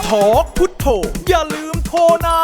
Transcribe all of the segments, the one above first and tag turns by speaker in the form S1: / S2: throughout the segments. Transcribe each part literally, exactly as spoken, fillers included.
S1: ทอกพุทโธอย่าลืมโทรนะ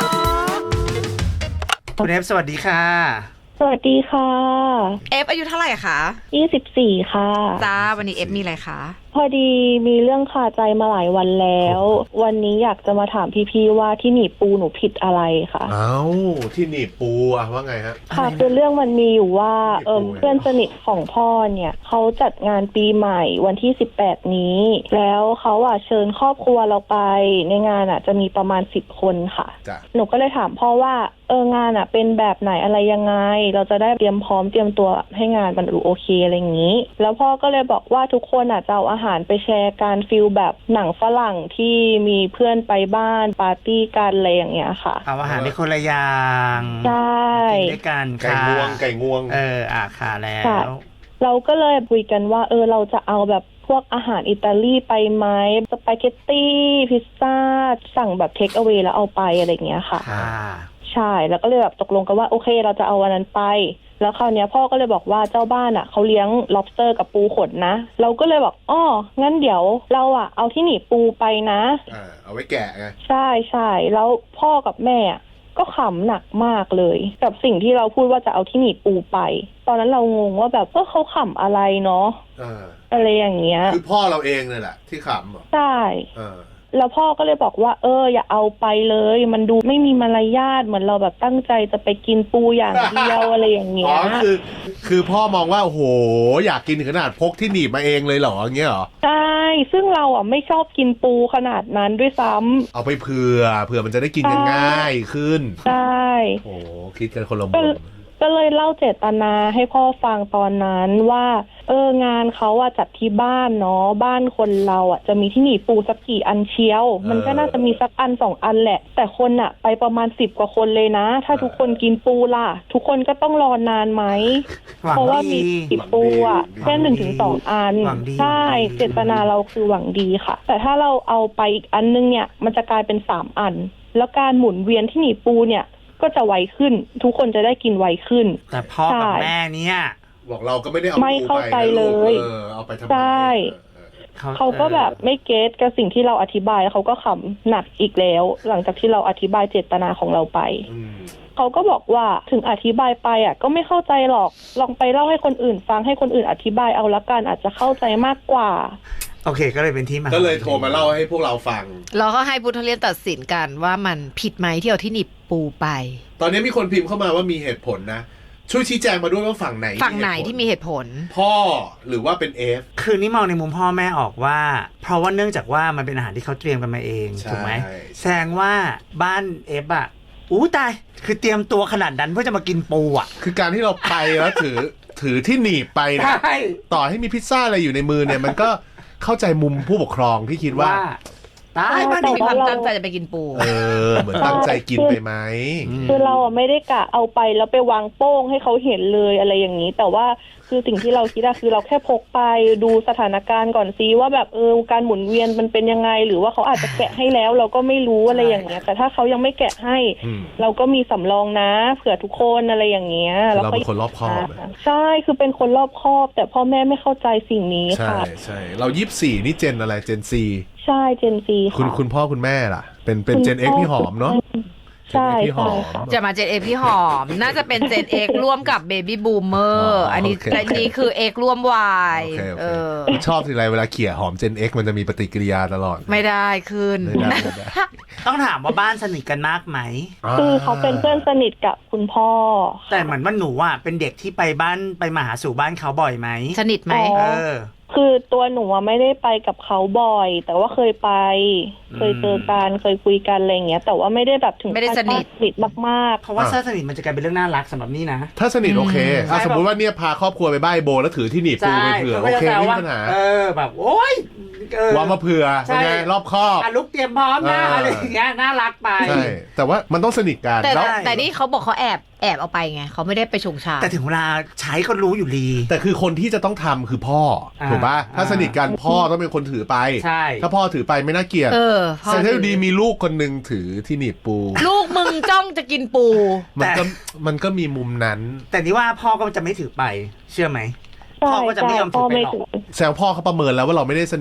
S1: คุณเอฟสวัสดีค่ะ
S2: สวัสดีค่ะ
S3: เอฟอายุเท่าไหร่คะ
S2: ยี่สิบสี่ค่ะ
S3: จ้าวันนี้เอฟมีอะไรคะ
S2: พอดีมีเรื่องคาใจมาหลายวันแล้ววันนี้อยากจะมาถามพี่ๆว่าที่หนีบปูหนูผิดอะไรคะ
S4: เอ้าที่หนีบปูอะว่าไงฮะ
S2: ค่ะคือเรื่องมันมีอยู่ว่าเออเพื่อนสนิทของพ่อเนี่ยเขาจัดงานปีใหม่วันที่สิบแปดนี้แล้วเขาอ่ะเชิญครอบครัวเราไปในงานอ่ะจะมีประมาณสิบคนค่ะหนูก็เลยถามพ่อว่าเอองานอ่ะเป็นแบบไหนอะไรยังไงเราจะได้เตรียมพร้อมเตรียมตัวให้งานมันดูโอเคอะไรอย่างนี้แล้วพ่อก็เลยบอกว่าทุกคนอ่ะจะเอาอาหารไปแชร์การฟิลแบบหนังฝรั่งที่มีเพื่อนไปบ้านปาร์ตี้กันอะไรอย่างเงี้ยค่ะ
S1: เอาอาหารในคนละอย่าง
S2: ใช่
S1: กินด้วยกัน
S4: ไก่งวงไก่งวง
S1: เอออ่ะค่ะแล้ว
S2: เราก็เลยคุยกันว่าเออเราจะเอาแบบพวกอาหารอิตาลีไปไหมสปาเกตตี้พิซซ่าสั่งแบบเทคเอาไว้แล้วเอาไปอะไรอย่างเงี้ยค่ะใช่แล้วก็เลยแบบตกลงกันว่าโอเคเราจะเอาวันนั้นไปแล้วคราวนี้พ่อก็เลยบอกว่าเจ้าบ้านอ่ะเขาเลี้ยง lobster กับปูขนนะเราก็เลยบอกอ้องั้นเดี๋ยวเราอ่ะเอาที่หนีปูไปนะ
S4: อ่าเอาไว้แกะไง
S2: ใช่ใช่แล้วพ่อกับแม่ก็ขำหนักมากเลยกับสิ่งที่เราพูดว่าจะเอาที่หนีปูไปตอนนั้นเรางงว่าแบบว่าเขาขำอะไรเนาะอะไรอย่างเงี้ย
S4: คือพ่อเราเองเลยแหละที่ขำ
S2: ใช่แล้วพ่อก็เลยบอกว่าเอออย่าเอาไปเลยมันดูไม่มีมารยาทเหมือนเราแบบตั้งใจจะไปกินปูอย่างเดียวอะไรอย่างเงี้ย
S4: อ๋อคือคือพ่อมองว่าโอ้โหอยากกินถึงขนาดพกที่หนีบมาเองเลยเหรออย่างเงี้ยเหรอ
S2: ใช่ซึ่งเราอ่ะไม่ชอบกินปูขนาดนั้นด้วยซ้ำ
S4: เอาไปเผื่อเผื่อมันจะได้กินกันง่ายขึ้น
S2: ใช่
S4: โอ้คิดกันคนละมุม
S2: ก็เลยเล่าเจตนาให้พ่อฟังตอนนั้นว่าเอองานเขาอะจัดที่บ้านเนาะบ้านคนเราอะจะมีที่หนีปูสักกี่อันเชียวมันก็น่าจะมีสักอันสองอันแหละแต่คนอะไปประมาณสิบกว่าคนเลยนะถ้าทุกคนกินปูล่ะทุกคนก็ต้องรอนานไหมเพราะว่ามีสิบปูอะแค่หนึ่งถึงสองอันใช่เจตนาเราคือหวังดีค่ะแต่ถ้าเราเอาไปอีกอันนึงเนี่ยมันจะกลายเป็นสามอันแล้วการหมุนเวียนที่หนีปูเนี่ยก็จะไวขึ้นทุกคนจะได้กินไวขึ้น
S1: แต่พ่อกับแม่เนี่ย
S4: บอกเราก็ไม่ได้เอา
S2: ไม่เข้าใจเลย
S4: เอาไปทำไม
S2: ใช่เขาก็แบบไม่เก็ตกับสิ่งที่เราอธิบายเขาก็ขำหนักอีกแล้วหลังจากที่เราอธิบายเจตนาของเราไปเขาก็บอกว่าถึงอธิบายไปอ่ะก็ไม่เข้าใจหรอกลองไปเล่าให้คนอื่นฟังให้คนอื่นอธิบายเอาละกันอาจจะเข้าใจมากกว่า
S1: โอเคก็เลยเป็นที่มา
S4: ก็เลยโทรมาเล่าให้พวกเราฟัง
S3: แล้วก็ให้พุทธเรียนตัดสินกันว่ามันผิดไหมที่เอาที่หนีบปูไป
S4: ตอนนี้มีคนพิมพ์เข้ามาว่ามีเหตุผลนะช่วยชี้แจงมาด้วยว่าฝั่งไหน
S3: ฝั่งไหนที่มีเหตุผล
S4: พ่อหรือว่าเป็นเอฟ
S1: คือนี่มองในมุมพ่อแม่ออกว่าเพราะว่าเนื่องจากว่ามันเป็นอาหารที่เขาเตรียมกันมาเองถูกไหมแสดงว่าบ้านเอฟอะอู้ตายคือเตรียมตัวขนาดนั้นเพื่อจะมากินปูอะ
S4: คือการที่เราไปแล้วถือถือที่หนีบไปเนี่ยต่อให้มีพิซซ่าอะไรอยู่ในมือเนี่ยมันก็เข้าใจมุมผู้ปกครองที่คิดว่า
S3: ตายมันมีความตั้งใจจะไปกินปู
S4: เออเหมือนตั้งใจกินไปไหม
S2: คือเราอ่ะไม่ได้กะเอาไปแล้วไปวางโป้งให้เขาเห็นเลยอะไรอย่างนี้แต่ว่าคือสิ่งที่เราคิดอะคือเราแค่พกไปดูสถานการณ์ก่อนซิว่าแบบเออการหมุนเวียนมันเป็นยังไงหรือว่าเขาอาจจะแกะให้แล้วเราก็ไม่รู้อะไรอย่างเงี้ยแต่ถ้าเขายังไม่แกะให้เราก็มีสำรองนะเผื่อทุกคนอะไรอย่างเงี้ย
S4: เราเป็นคนรอบคอบ
S2: ใช่คือเป็นคนรอบคอบแต่พ่อแม่ไม่เข้าใจสิ่งนี้ค่ะ
S4: ใช่ใช่เรายี่สิบสี่นี่เจนอะไรเจนซี
S2: ใช่เจนซี
S4: ค่ะคุณคุณพ่อคุณแม่ล่ะเป็นเป็นเจนเอ็กพี่หอมเนาะ
S2: ใช่ใช่
S3: จะมาเจนเอ็กพี่หอมน่าจะเป็นเจนเอ็กร่วมกับเบบี้บูมเมอร์อันนี้และนี้คือเอ็กร่วมวาย
S4: เออชอบทีไรเวลาเขี่ยหอมเจนเอ็กมันจะมีปฏิกิริยาตลอด
S3: ไม่ได้ขึ้น
S1: ต้องถามว่าบ้านสนิทกันมากไหม
S2: คือเขาเป็นเพื่อนสนิทกับคุณพ่อ
S1: แต่เหมือนว่าหนูอ่ะเป็นเด็กที่ไปบ้านไปมาหาสู่บ้านเขาบ่อยไหม
S3: สนิทไหม
S1: เออ
S2: คือตัวหนูไม่ได้ไปกับเขาบ่อยแต่ว่าเคยไปเคยเจอกันเคยคุยกันอะไรอย่างเงี้ยแต่ว่าไม่ได้แบบถึง
S3: ไม่ได้สนิท
S2: สนิทมากๆ
S1: เพราะว่าถ้าสนิทมันจะกลายเป็นเรื่องน่ารักสำหรับนี่นะ
S4: ถ้าสนิทโอเคถ้าสมมติว่าเนี่ยพาครอบครัวไปบ้านโบแล้วถือที่หนีบปูไปเผื่อโอเคไม่มีปัญหา
S1: เออแบบโอ๊ยว
S4: างมาเผื่อเป็นไงรอบคอบ
S1: ลุกเตรียมพร้อมนะอะไรอย่างเงี้ยน่ารักไป
S4: ใช่แต่ว่ามันต้องสนิทกัน
S3: แต่แต่นี่เขาบอกเขาแอบแอบเอาไปไงเขาไม่ได้ไปชงชา
S1: แต่ถึงเวลาใช้ก็รู้อยู่ดี
S4: แต่คือคนที่จะต้องทำคือพ่อถูกป่ะถ้าสนิทกันพ่อต้องเป็นคนถือไปถ้าพ่อถือไปไม่น่าเกลียดแต่ถ้าดีมีลูกคนนึงถือที่หนีบปู
S3: ลูกมึงจ้องจะกินปู
S4: มันก็มันก็มีมุมนั้น
S1: แต่นี่ว่าพ่อก็จะไม่ถือไปเชื่อไหมพ่อก็จะไม่ยอมถือไปหรอก
S4: แซวพ่อเขาประเมินแล้วว่าเราไม่ได้สนิท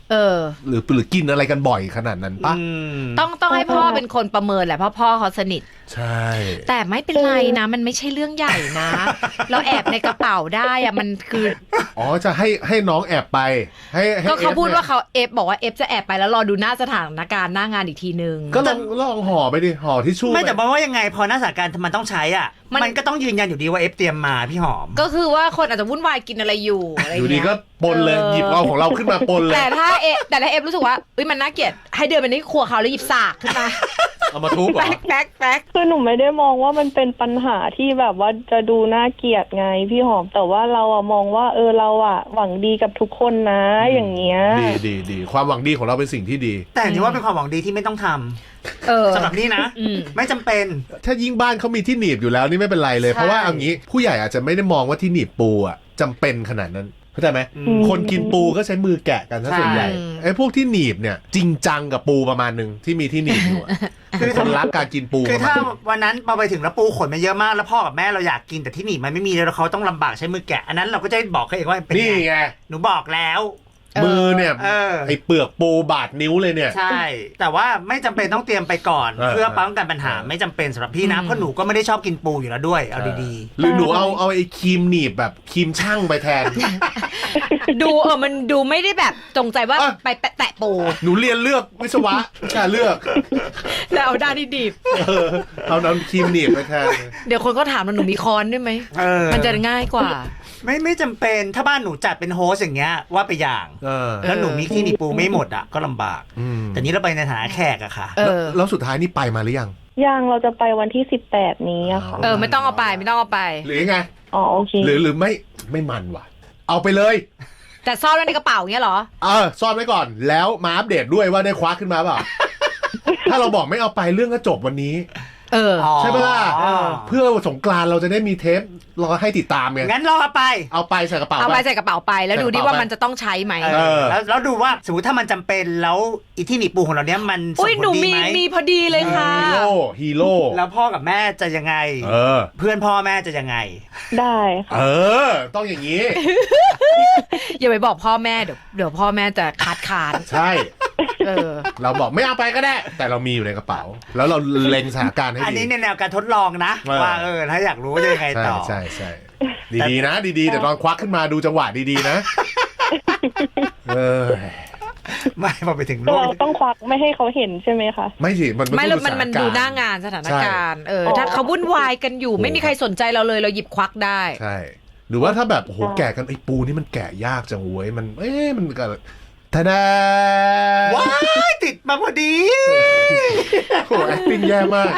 S3: เออ
S4: หรือหรือกินอะไรกันบ่อยขนาดนั้นปะ
S3: ต้องต้องให้พ่อเป็นคนประเมินแหละเพราะพ่อเขาสนิท
S4: ใช่
S3: แต่ไม่เป็นไรนะ มันไม่ใช่เรื่องใหญ่นะ เราแอบในกระเป๋าได้อะมันคือ
S4: อ๋อจะให้ให้น้องแอบไปให้ให้
S3: ก็เขาพูด
S4: นี่ย
S3: ว่าเขาเอฟบอกว่าเอฟจะแอบไปแล้วรอดูหน้าสถานการณ์หน้างานอีกทีนึง
S4: ก็ลองลองห่อไปดิห่อทิชชู่
S1: ไม่
S4: ป
S1: แต่ว่ายังไงพอหน้าสถานการณ์มันต้องใช้อ่ะ
S3: มัน
S1: มันก็ต้องยืนยันอยู่ดีว่าเอฟเตรียมมาพี่หอม
S3: ก็คือว่าคนอาจจะวุ่นวายกินอะไรอยู่อะไร
S4: อยู่
S3: เงี้ย
S4: ดีก็ปนเลย
S3: เออ
S4: หยิบเอาของเราขึ้นมาปนเลย
S3: แต่ถ้าเอแต่ถ้าเอฟรู้สึกว่าเอ้ยมันน่าเกลียดให้เดินไปที่ครัวเขาแล้วหยิบสากขึ้นมา
S4: เอามาทุบเหรอ
S3: แป๊กแป๊กแป๊ก
S2: คือหนูไม่ได้มองว่ามันเป็นปัญหาที่แบบว่าจะดูน่าเกลียดไงพี่หอมแต่ว่าเราอะมองว่าเออเราอะหวังดีกับทุกคนนะอย่างเงี้ย
S4: ดีดีดีความหวังดีของเราเป็นสิ่งที่ดี
S1: แต่นี่ว่าเป็นความหวังดีที่ไม่ต้องทำ
S3: เออ
S1: สำหรับนี่นะ
S3: อืม
S1: ไม่จำเป็น
S4: ถ้ายิ่งบ้านเขามีที่หนีบอยู่แล้วนี่ไม่เป็นไรเลย
S3: ใช่
S4: เพราะว่าเอางี้ผู้ใหญ่อาจจะไม่ได้มองว่าที่หนีบปูอ่ะจำเป็นขนาดนั้นเข้าใจไหม
S1: อืม
S4: คนกินปูก็ใช้มือแกะกันซะส่วนใหญ่ไอ้พวกที่หนีบเนี่ยจริงจังกับปูประมาณหนึ่งที่มีที่หนีบอยู่อะ
S1: คือ
S4: คนรักการกินปู
S1: คือ
S4: ประมา
S1: ถ้า
S4: ณหนึ่ง
S1: วันนั้นเราไปถึงแล้วปูขนมาเยอะมากแล้วพ่อกับแม่เราอยากกินแต่ที่หนีบมันไม่มีแล้วเขาต้องลำบากใช้มือแกะอันนั้นเราก็จะบอกเขาเองว่าเป็น
S4: นี่
S1: ไง
S4: ไง
S1: หนูบอกแล้ว
S4: มือเนี่ย
S1: เออ
S4: ไอ้เปลือกปูบาดนิ้วเลยเนี่ย
S1: ใช่ แต่ว่าไม่จำเป็นต้องเตรียมไปก่อน
S4: เออ
S1: เพื่อป้องกันปัญหา
S4: เออ
S1: ไม่จำเป็นสำหรับพี่นะ
S3: อืม
S1: เพราะหนูก็ไม่ได้ชอบกินปูอยู่แล้วด้วยเอาดี
S4: หรือหนูเอาเอาไอ้ครีมหนีบแบบครีมช่างไปแทน
S3: ดูเออมันดูไม่ได้แบบจงใจว่า
S4: อ่ะ
S3: ไปแตะปู
S4: หนูเรียนเลือกวิศวะแค่เลือก
S3: แล้วเอาด้านที่ดีบ
S4: เออเอาน้ำครีมหนีบไปแทน
S3: เดี๋ยวคนก็ถามว่าหนูมีคอนด้วยไหม
S1: ๆเออ
S3: มันจะง่ายกว่า
S1: ไม่ไม่จำเป็นถ้าบ้านหนูจัดเป็นโฮสอย่างเงี้ยว่าไปอย่าง
S4: เออ
S1: แล้วหนูมีที่หนีบปูไม่หมดอ่ะก็ลำบาก
S4: อืม
S1: แต่นี้เราไปในฐานะแขกอะค่ะ
S3: เอ
S4: แล้ว
S3: อ
S4: แล้วสุดท้ายนี่ไปมาหรือยัง
S2: ยังเราจะไปวันที่สิบแปดนี้อะค่ะ
S3: เออไม่ต้องเอาไปไม่ต้องเอาไป
S4: หรือยังไง
S2: อ๋อโอเค
S4: หรือหรือไม่ไม่มันว่ะ เอาไปเลย
S3: แต่ซ่อนไว้ในกระเป๋าเงี้ยเหรอ
S4: เออซ่อนไว้ก่อนแล้วมาอัปเดตด้วยว่าได้คว้าขึ้นมาเปล่า ถ้าเราบอกไม่เอาไปเรื่องก็จบวันนี้
S3: เออ
S1: อ๋อ
S4: ใช่ปะล่ะ
S1: อ๋อ
S4: เพื่อสงกรานต์เราจะได้มีเทปรอให้ติดตามไง
S1: งั้นเราเอาไป
S4: เอาไปใส่กระเป๋า
S3: เอาไป
S4: ไป
S3: ใส่กระเป๋าไปแล้วดูดิว่ามันจะต้องใช้ไหม
S1: เออแล้วแล้วดูว่าสมมติถ้ามันจำเป็นแล้วอีที่หนีบปูของเราเนี้ยมันส่
S3: อุ้ย
S1: ง
S3: ห
S1: ผ
S3: นู
S1: ลดี
S3: มี
S1: ไหม
S3: มีพอดีเลยค่ะ
S4: ฮีโร่ฮีโร่
S1: แล้วพ่อกับแม่จะยังไง
S4: เออ
S1: เพื่อนพ่อแม่จะยังไง
S2: ได้ค่ะ
S4: เออ ต้องอย่างนี้
S3: อย่าไปบอกพ่อแม่เดี๋ยวเดี๋ยวพ่อแม่จะคัดค้าน
S4: ใช่
S3: เออ
S4: เราบอกไม่เอาไปก็ได้ แต่เรามีอยู่ในกระเป๋า แล้วเราเล็งสถานการณ์ให้
S1: อัน
S4: ดี
S1: นี้ในแนวการทดลองนะ
S4: เออ
S1: ว่าเออถ้าอยากรู้ว่าจะยังไง
S4: ใช่
S1: ต่อ
S4: ใช่ใช่ดีๆนะ ดีๆแต่ตอนควักขึ้นมาดูจังหวะดีๆนะ เออ
S1: ไม่พอไปถึง
S2: ก็
S1: โลก
S2: เราต้องควักไม่ให้เขาเห็นใช่ไหมคะ
S4: ไม่สิมัน
S3: ไม่
S4: ต้
S3: แล้ว
S4: อง
S3: มันมัน
S4: สถ
S3: ดู
S4: กร
S3: หน้างานสถานการณ์เออ
S2: ใช่
S3: ถ้าเขาวุ่นวายกันอยู่ ไม่มีใครสนใจเราเลยเราหยิบควักได้
S4: ใช่ หรือว่าถ้าแบบโอ้โหแกะกันไอ้ปูนี่มันแกะยากจังเว้ยมันเอ๊ะมันก็ทะดา
S1: ว้ายติดมาพอดี
S4: โอ้โห acting แย่มาก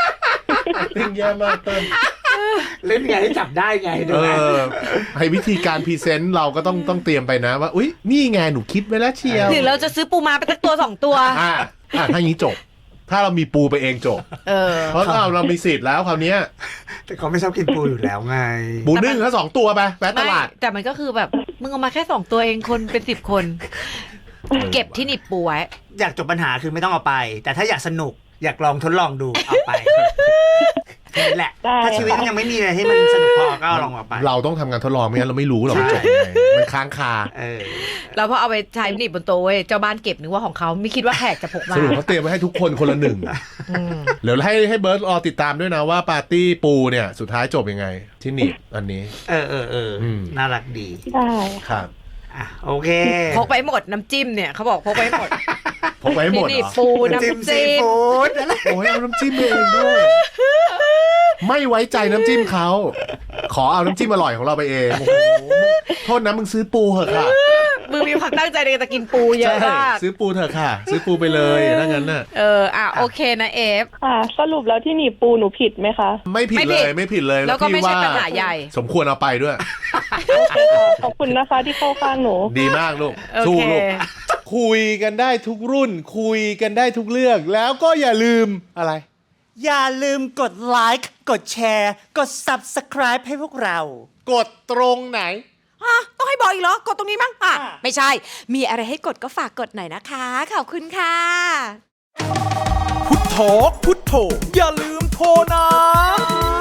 S4: acting แย่มากเติ้ล
S1: เล่นไงให้จับได้ไงดู
S4: เอ
S1: ไหม
S4: อให้วิธีการพรีเซนต์เราก็ต้องต้องเตรียมไปนะว่าอุ้ยนี่ไงหนูคิดไว้แล้วเชียว
S3: หรือเราจะซื้อปูมาไปสักตัวสองตัว
S4: อ่าอ่าถ้าอย่างนี้จบ ถ้าเรามีปูไปเองจบ
S3: เออ
S4: เพราะเราเรามีสิทธิ์แล้วคราวเนี้ย
S1: แต่เขาไม่ชอบกินปูอยู่แล้วไง
S4: ปูนึ่งแค่สองตัวไปแวะต
S3: ไม่
S4: ลาด
S3: แต่มันก็คือแบบมึงเอามาแค่สองตัวเองคนเป็นสิบคน เก็บที่หนีบปูไว้
S1: อยากจบปัญหาคือไม่ต้องเอาไป แต่ถ้าอยากสนุกอยากลองทดลองดูเอาไปนี่แหละ
S2: ได้
S1: ถ้าชีวิตมันยังไม่มีอะไรให้มันสนุกพอก็ลองเอาไป
S4: เราต้องทำงานทดลองไม่งั้นเราไม่รู้หรอกมันจบยังไงมันค้างคา
S1: เออ
S3: แล้วพอเอาไปใช้หนีบบนโต๊ะเว้ยเจ้าบ้านเก็บนึกว่าของเขาไม่คิดว่าแขกจะพกมา
S4: สรุปเขาเตรียมไว้ให้ทุกคนคนละหนึ่ง
S3: อืม
S4: เดี๋ยวให้ให้เบิร์ดรอติดตามด้วยนะว่าปาร์ตี้ปูเนี่ยสุดท้ายจบยังไง ที่หนีบอันนี้
S1: เออเออเอออ
S4: ม
S1: น่ารักดี
S2: ได้
S4: ครับ
S1: อ่ะโอเค
S3: พกไปหมดน้ำจิ้มเนี่ยเขาบอกพกไปหมด
S4: พกไว้ให้หมด
S3: ที่หนี
S4: เห
S3: บ
S4: รอ
S3: ปู
S1: น้ำจิ้ม
S3: น้ำ
S1: ซี
S3: จิ้ม
S1: ฟู้ดอะไร
S4: โอ้ยเอาน้ำจิ้มเองด้วย ไม่ไว้ใจน้ำจิ้มเขา ขอเอาน้ำจิ้มอร่อยของเราไปเองโอ้โหโทษนะมึงซื้อปูเหอะค่ะ
S3: มึงมีความตั้งใจในการจะกินปูเยอะมาก
S4: ซื้อปูเถอะค่ะ ซื้อปูไปเลยถ้างั้นน่ะ
S3: เอออ่ะโอเคนะเอฟ
S2: ค่ะ สรุปแล้วที่หนีบปูหนูผิดไหมคะ
S4: ไม่ผิด
S3: ไม่
S4: เล
S3: ผิด
S4: ยไม่ผิดเลย
S3: แล้วก็ไม่
S4: พี่
S3: ใช่
S4: ว่า
S3: ปัญหาใหญ่
S4: สมควรเอาไปด้วย
S2: โอเคค่ะ ขอบคุณนะคะที่เข้าข้างหนู
S4: ดีมากลูก
S3: โอ
S4: สู้
S3: เค
S4: ลูก คุยกันได้ทุกรุ่น คุยกันได้ทุกเรื่อง แล้วก็อย่าลืมอะไร
S1: อย่าลืมกดไลค์กดแชร์กด Subscribe ให้พวกเรา
S4: กดตรงไหน
S5: ฮะต้องให้บอกอีกเหรอ กดตรงนี้มั้งอ่ะ
S1: อ่ะ
S5: ไม่ใช่ มีอะไรให้กดก็ฝากกดหน่อยนะคะ ขอบคุณค่ะ
S6: พุทโธพุทโธอย่าลืมโทรนะ